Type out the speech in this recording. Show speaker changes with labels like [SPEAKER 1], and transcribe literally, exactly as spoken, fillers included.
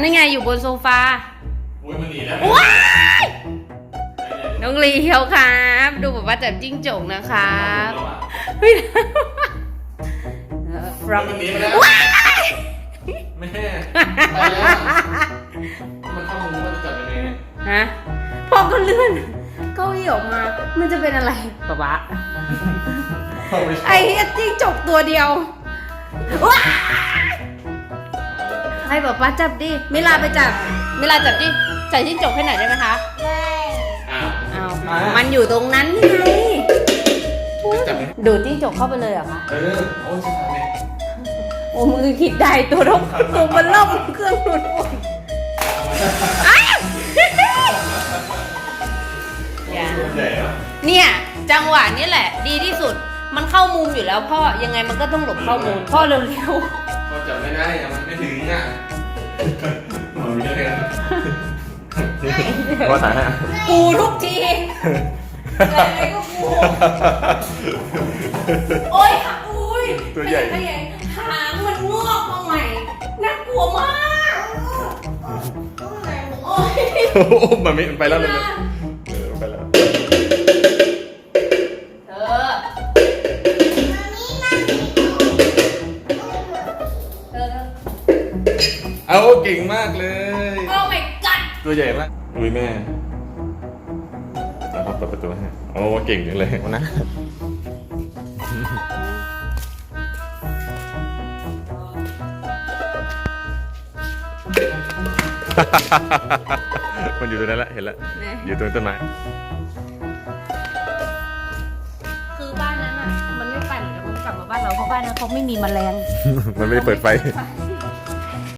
[SPEAKER 1] นี่ไงอยู่บนโซฟา
[SPEAKER 2] อุ้ยมันหนีแล้ว
[SPEAKER 1] ว้ายน้องลีเฮียวครับ ดูแบบว่าจับจิ้งจกนะครับเฮ้ยฟรอม
[SPEAKER 2] มันหนีไปแล้ว
[SPEAKER 1] ว้าย
[SPEAKER 2] แม่ไปแล้วมันเข้ามุ้งมันจะจับยังไงเนี่ย
[SPEAKER 1] ฮะพอก็เลื่อนเก้าอี้ออกมา มันจะเป็นอะไรป๊าป๊า
[SPEAKER 2] เข้าไป
[SPEAKER 1] ไอ้เหี้ยจิ้งจกตัวเดียวว้ายให้ป๊าป๊าจับดิมิลาไปจับมิลาจับจิ้งใส่จิ้งจกให้หน่อยได้ไหมคะ
[SPEAKER 2] อ้าว
[SPEAKER 1] อ้าวมันอยู่ตรงนั้นไง
[SPEAKER 2] จับไหม
[SPEAKER 1] ดูดจิ้งจกเข้าไปเลยเหรอคะ
[SPEAKER 2] เออโอ้ยชิบหายเลย
[SPEAKER 1] โอ้มือคิดได้ตัวรบตัวมันล่มเครื่องดูดฝุ่นอ้าวอย่า
[SPEAKER 2] ใหญ่เหรอ
[SPEAKER 1] เนี่ยจังหวะนี้แหละ ดีที่สุดมันเข้ามุมอยู่แล้วพ่อยังไงมันก็ต้องหลบเข้ามุมพ่อเร็ว
[SPEAKER 2] ก็จับไม่ได้อะมันไม่ถึงอ่ะมันมีเรื่อง
[SPEAKER 3] ว่าถ่ายให้
[SPEAKER 1] ๆกูทุกทีอะไรก็กูโอ๊ยค่ะอุ้ย
[SPEAKER 3] ตัวใหญ่
[SPEAKER 1] ขยายหางมันงอกมาใหม่น่ากลัวมากโอ๊ย
[SPEAKER 3] โอ้มันไม่ไปแล้วเลยเออไปแล้ว
[SPEAKER 1] เธอเธอ
[SPEAKER 3] เอาเก่งมากเลย
[SPEAKER 1] โอ้ my god
[SPEAKER 3] ตัวใหญ่มากอุ้ยแม่แล้วเขาเปิดประตูให้โอ้เก่งจังเลยวันนะมันอยู่ตรงนั้นแหละเห็นแล้วอยู่ตรงต้นไม้
[SPEAKER 1] คือบ้านนั้นอ่ะ มันไม่ไปเหมือนกับมันกลับมาบ้านเราเพราะบ้านนั้นเขาไม่มีแมลง
[SPEAKER 3] มันไม่ได้เปิดไฟ
[SPEAKER 1] ไฟ